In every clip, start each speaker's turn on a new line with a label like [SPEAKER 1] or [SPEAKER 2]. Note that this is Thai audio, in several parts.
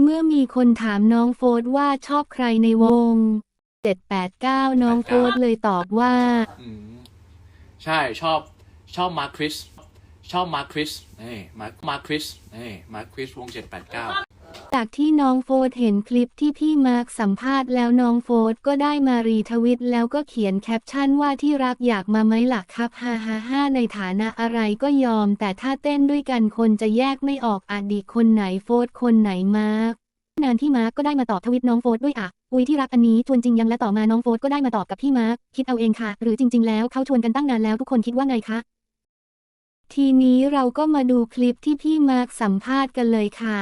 [SPEAKER 1] เมื่อมีคนถามน้องโฟร์ว่าชอบใครในวง789น้องโฟร์เลยตอบว่า
[SPEAKER 2] ใช่ชอบมาร์คริสชอบมาร์คริสนี่มาร์คริสนี่มาร์คริสวง789
[SPEAKER 1] จากที่น้องโฟร์เห็นคลิปที่พี่มาร์คสัมภาษณ์แล้วน้องโฟร์ก็ได้มารีทวิตแล้วก็เขียนแคปชั่นว่าที่รักอยากมาไหมล่ะครับฮ่าฮ่าฮ่าในฐานะอะไรก็ยอมแต่ถ้าเต้นด้วยกันคนจะแยกไม่ออกอดีตคนไหนโฟร์คนไหนมาร์คนานที่มาร์คก็ได้มาตอบทวิตน้องโฟร์ด้วยอุ้ยที่รักอันนี้ชวนจริงยังและต่อมาน้องโฟร์ก็ได้มาตอบกับพี่มาร์คคิดเอาเองค่ะหรือจริงๆแล้วเขาชวนกันตั้งนานแล้วทุกคนคิดว่าไงคะทีนี้เราก็มาดูคลิปที่พี่มาร์คสัมภาษณ์กันเลยค่ะ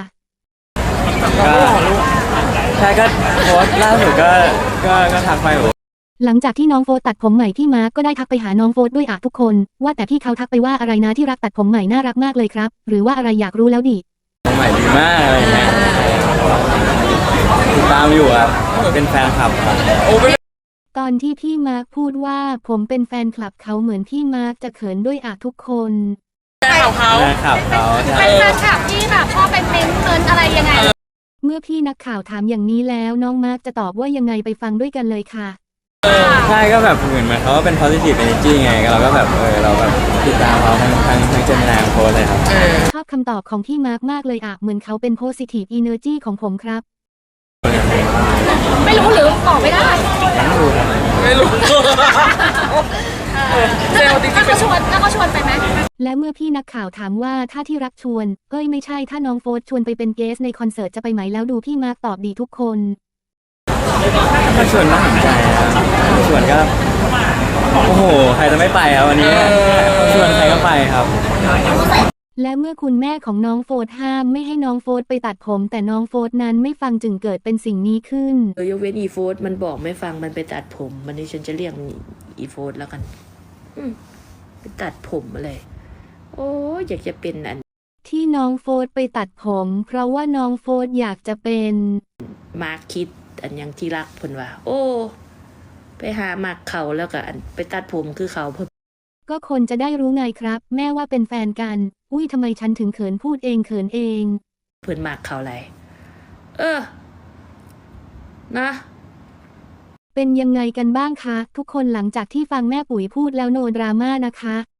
[SPEAKER 3] ใช่ก็โพสต์ล่าสุดก็ทักไป
[SPEAKER 1] หลังจากที่น้องโฟร์ตัดผมใหม่พี่มาร์คก็ได้ทักไปหาน้องโฟร์ด้วยทุกคนว่าแต่พี่เขาทักไปว่าอะไรนะที่รักตัดผมใหม่น่ารักมากเลยครับหรือว่าอะไรอยากรู้แล้วดิ
[SPEAKER 3] ใหม่ดีมากอะไรเงี้ยติดตามอยู่ครับเป็นแฟนคลับครับ
[SPEAKER 1] ตอนที่พี่มาร์คพูดว่าผมเป็นแฟนคลับเขาเหมือนพี่มาร์คจะเขินด้วยทุกคน
[SPEAKER 3] แฟนคลับเขา
[SPEAKER 4] เป็นแฟนคลับที่แบบชอบไปเม้นอะไรยังไง
[SPEAKER 1] เมื่อพี่นักข่าวถามอย่างนี้แล้วน้องมาร์คจะตอบว่ายังไงไปฟังด้วยกันเลยค่ะ
[SPEAKER 3] ใช่ก็แบบเหมือนเขาก็เป็น positive energy ไงเราก็แบบเราแบบติดตามเขาทั้งเจมินาโพสเลยครับ
[SPEAKER 1] ชอบคำตอบของพี่มาร์คมากเลยเหมือนเขาเป็น positive energy ของผมครับ
[SPEAKER 4] ไม่รู้หรือตอบไม่ได้
[SPEAKER 3] ไม่รู้
[SPEAKER 4] ถ้าเขาชวนไปไหม
[SPEAKER 1] และเมื่อพี่นักข่าวถามว่าถ้าที่รักชวนไม่ใช่ถ้าน้องโฟร์ชวนไปเป็นเกสในคอนเสิร์ตจะไปไหมแล้วดูพี่มาร์คตอบดีทุกคน
[SPEAKER 3] ถ้าชวนน่าสนใจชวนก็โอ้โหใครจะไม่ไปครับวันนี้ชวนใครก็ไปครับ
[SPEAKER 1] และเมื่อคุณแม่ของน้องโฟร์ห้ามไม่ให้น้องโฟร์ไปตัดผมแต่น้องโฟร์นั้นไม่ฟังจึงเกิดเป็นสิ่งนี้ขึ้น
[SPEAKER 5] ยกเว้นอีโฟร์มันบอกไม่ฟังมันไปตัดผมวันนี้ฉันจะเรียกอีโฟร์แล้วกันไปตัดผมอะไรโอ้อยากจะเป็นอัน
[SPEAKER 1] ที่น้องโฟร์ไปตัดผมเพราะว่าน้องโฟร์อยากจะเป็น
[SPEAKER 5] มาร์คคิดอันยังที่รักเพิ่นว่าโอ้ไปหามักเขาแล้วก็อันไปตัดผมคือเขาเพิ่น
[SPEAKER 1] ก็คนจะได้รู้ไงครับแม่ว่าเป็นแฟนกันอุ้ยทำไมฉันถึงเขินพูดเองเขินเอง
[SPEAKER 5] เพิ่นมักเขาอะไรนะ
[SPEAKER 1] เป็นยังไงกันบ้างคะทุกคนหลังจากที่ฟังแม่ปุ๋ยพูดแล้วโนดราม่านะคะ